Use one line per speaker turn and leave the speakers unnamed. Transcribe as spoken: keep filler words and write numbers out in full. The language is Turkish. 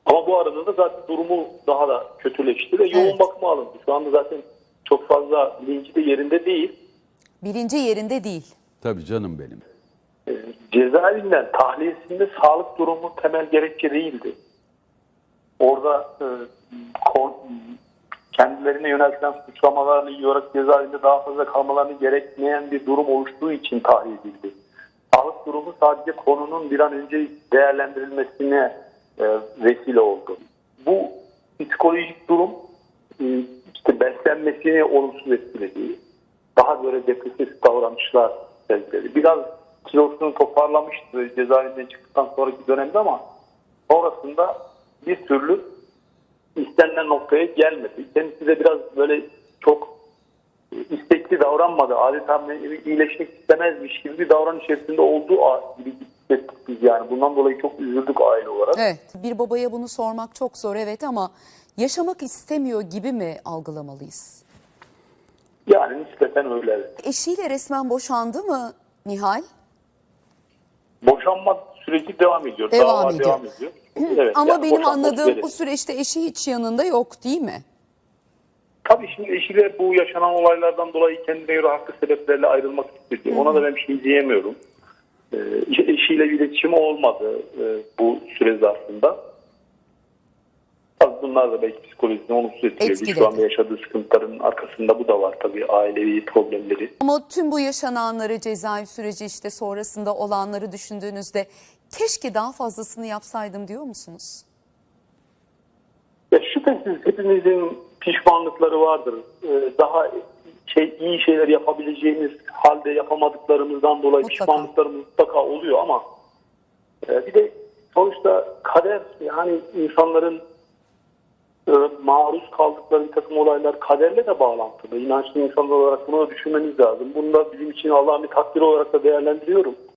Ama bu arada da zaten durumu daha da kötüleşti ve yoğun
Evet.
bakıma alındı. Şu anda zaten çok fazla bilinci de yerinde değil.
Bilinci yerinde değil.
Tabii canım benim.
E, cezaevinden tahliyesinde sağlık durumu temel gerekçe değildi. Orada e, kon, kendilerine yöneltilen suçlamalarla ilgili olarak cezaevinde daha fazla kalmalarını gerekmeyen bir durum oluştuğu için tahliye edildi. Sağlık durumu sadece konunun bir an önce değerlendirilmesine e, vesile oldu. Bu psikolojik durum e, işte beslenmesini olumsuz etkiledi. Daha böyle depresif davranışlar sergiledi. Biraz kilosunu toparlamıştı cezaevinden çıktıktan sonraki dönemde ama sonrasında bir türlü istenilen noktaya gelmedi. Kendisi de biraz böyle çok istekli davranmadı. Adeta iyileşmek istemezmiş gibi bir davranış içerisinde olduğu gibi hissettik biz yani. Bundan dolayı çok üzüldük aile olarak.
Evet. Bir babaya bunu sormak çok zor, evet, ama yaşamak istemiyor gibi mi algılamalıyız?
Yani nispeten öyle.
Eşiyle resmen boşandı mı Nihal?
Boşanma süreci devam ediyor.
Devam
Dava
ediyor.
devam ediyor. Evet,
Ama
yani
benim
boşanma
anladığım
süreci.
bu süreçte eşi hiç yanında yok, değil mi?
Tabii şimdi eşiyle bu yaşanan olaylardan dolayı kendine göre haklı sebeplerle ayrılmak istedi. Ona da ben bir şey diyemiyorum. Ee, eşiyle iletişimi olmadı e, bu süre zarfında. Tabii bunlar da belki psikolojisini olumsuz etkiledi.
Etkiledi.
Şu anda yaşadığı sıkıntıların arkasında bu da var tabii, ailevi problemleri.
Ama tüm bu yaşananları, cezaevi süreci işte sonrasında olanları düşündüğünüzde keşke daha fazlasını yapsaydım diyor musunuz?
Ya şüphesiz hepimizin pişmanlıkları vardır. Ee, daha şey, iyi şeyler yapabileceğimiz halde yapamadıklarımızdan dolayı
Mutlaka.
pişmanlıklarımız mutlaka oluyor ama e, bir de sonuçta kader, yani insanların e, maruz kaldıkları bir takım olaylar kaderle de bağlantılı. İnançlı insanlar olarak bunu da düşünmemiz lazım. Bunu da bizim için Allah'ın bir takdiri olarak da değerlendiriyorum.